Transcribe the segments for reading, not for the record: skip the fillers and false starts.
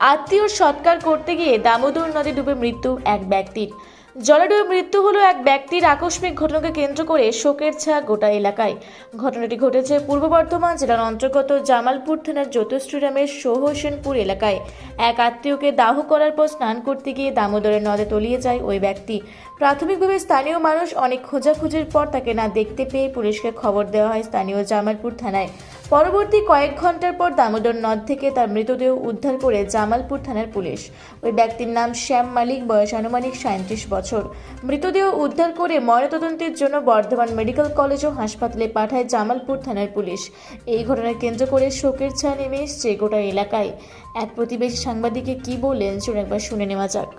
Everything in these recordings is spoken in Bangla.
আত্মীয় সৎকার করতে গিয়ে দামোদর নদে ডুবে মৃত্যু এক ব্যক্তির। জলে ডুবে মৃত্যু হলো এক ব্যক্তির। আকস্মিক ঘটনাকে কেন্দ্র করে শোকের ছায়া গোটা এলাকায়। ঘটনাটি ঘটেছে পূর্ব বর্ধমান জেলার অন্তর্গত জামালপুর থানার জ্যোতিষীরামের সোহসেনপুর এলাকায়। এক আত্মীয়কে দাহ করার পর স্নান করতে গিয়ে দামোদরের নদে তলিয়ে যায় ওই ব্যক্তি। প্রাথমিকভাবে স্থানীয় মানুষ অনেক খোঁজাখুঁজির পর তাকে না দেখতে পেয়ে পুলিশকে খবর দেওয়া হয় স্থানীয় জামালপুর থানায়। পরবর্তী কয়েক ঘন্টার পর দামোদর নদ থেকে তার মৃতদেহ উদ্ধার করে জামালপুর থানার পুলিশ। ওই ব্যক্তির নাম শ্যাম মালিক, বয়স আনুমানিক 37 বছর। মৃতদেহ উদ্ধার করে ময়নাতদন্তের জন্য বর্ধমান মেডিকেল কলেজ ও হাসপাতালে পাঠায় জামালপুর থানার পুলিশ। এই ঘটনাকে কেন্দ্র করে শোকের ছায়া নেমে এসেছে গোটা এলাকায়। এক প্রতিবেশী সাংবাদিককে কি বললেন চলুন একবার শুনে নেওয়া যাক।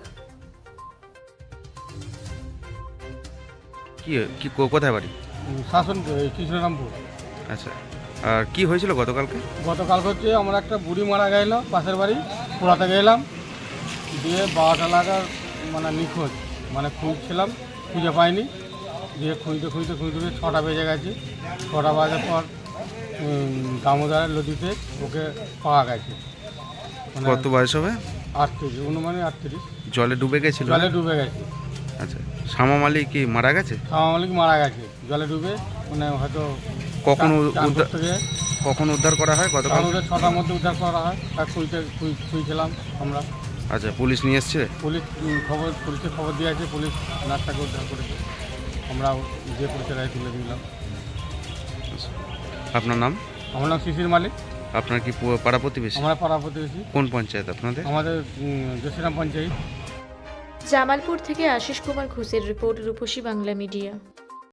কোথায় বাড়ি? শাসন কৃষ্ণরামপুর। আচ্ছা, আর কি হয়েছিল গতকালকে? গতকাল হচ্ছে আমরা একটা বুড়ি মারা গেল পাশের বাড়ি পোড়াতে গেলাম, দিয়ে 12টা লাগার মানে নিখোঁজ, মানে খুঁজছিলাম, খুঁজে পাইনি, দিয়ে খুঁজতে 6টা বেজে গেছে। 6টা বাজার পর দামোদরের নদীতে ওকে পাওয়া গেছে। কত বয়স হবে? 38, অনুমানে 38। জলে ডুবে গেছিল? জলে ডুবে গেছে। আচ্ছা, শ্যামা মালিক কি মারা গেছে? শামা মালিক মারা গেছে জলে ডুবে, মানে হয়তো কখন চান উদ্ধার করতে গিয়ে কখন উদ্ধার করা হয়? গতকাল 6টার মধ্যে উদ্ধার করা হয়। তার খুঁজছিলাম আমরা। আচ্ছা, পুলিশ নিয়ে এসছে? পুলিশকে খবর দিয়ে আছে, পুলিশ নাচটাকে উদ্ধার করেছে। আমরা যে পুলিশের রায় তুলে দিলাম। আচ্ছা, আপনার নাম? আমার নাম শিশির মালিক। আপনার কি পাড়া প্রতিবেশী? আমরা পাড়া প্রতিবেশী। কোন পঞ্চায়েত আপনাদের? আমাদের জ্যোতিষীরাম পঞ্চায়েত। জামালপুর থেকে আশিস কুমার ঘোষের রিপোর্ট, রূপসী বাংলা মিডিয়া।